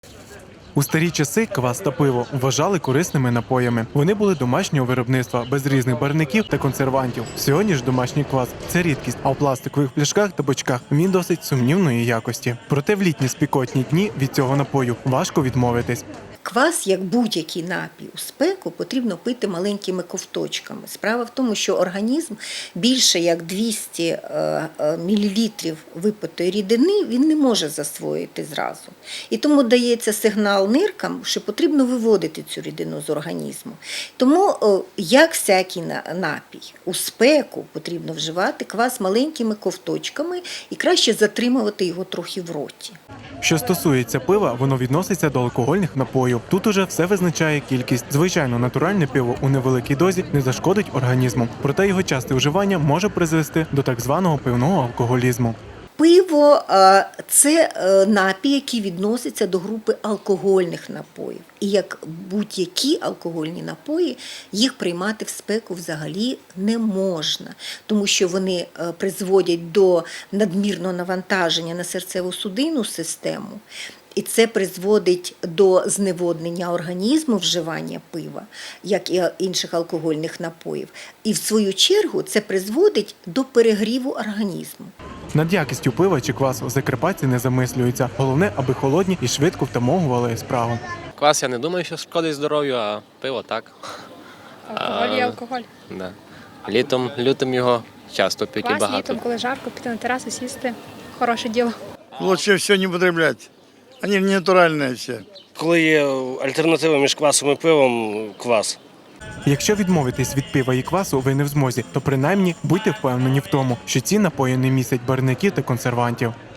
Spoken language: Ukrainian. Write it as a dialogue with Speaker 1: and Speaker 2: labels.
Speaker 1: У старі часи квас та пиво вважали корисними напоями. Вони були домашнього виробництва, без різних барвників та консервантів. Сьогодні ж домашній квас – це рідкість, а в пластикових пляшках та бочках він досить сумнівної якості. Проте в літні спекотні дні від цього напою важко відмовитись.
Speaker 2: Квас, як будь-який напій у спеку, потрібно пити маленькими ковточками. Справа в тому, що організм більше як 200 мл випитої рідини він не може засвоїти зразу. І тому дається сигнал ниркам, що потрібно виводити цю рідину з організму. Тому, як всякий напій, у спеку потрібно вживати квас маленькими ковточками і краще затримувати його трохи в роті.
Speaker 1: Що стосується пива, воно відноситься до алкогольних напоїв. Тут уже все визначає кількість. Звичайно, натуральне пиво у невеликій дозі не зашкодить організму, проте його часте вживання може призвести до так званого пивного алкоголізму.
Speaker 2: Пиво – це напій, який відноситься до групи алкогольних напоїв. І як будь-які алкогольні напої, їх приймати в спеку взагалі не можна, тому що вони призводять до надмірного навантаження на серцево-судинну систему. І це призводить до зневоднення організму вживання пива, як і інших алкогольних напоїв. І в свою чергу це призводить до перегріву організму.
Speaker 1: Над якістю пива чи квасу закарпатці не замислюються. Головне, аби холодні і швидко втамовували спрагу.
Speaker 3: Квас я не думаю, що шкодить здоров'ю, а пиво так.
Speaker 4: Алкоголь є алкоголь.
Speaker 3: Да. Літом його часто п'ють і
Speaker 4: Квас
Speaker 3: багато.
Speaker 4: літом, коли жарко, піти на терасу, сісти – хороше діло.
Speaker 5: Лучше все не употреблять. Они не натуральные все.
Speaker 6: Коли є альтернатива між квасом і пивом – квас.
Speaker 1: Якщо відмовитись від пива і квасу ви не в змозі, то принаймні будьте впевнені в тому, що ці напої не містять барвників та консервантів.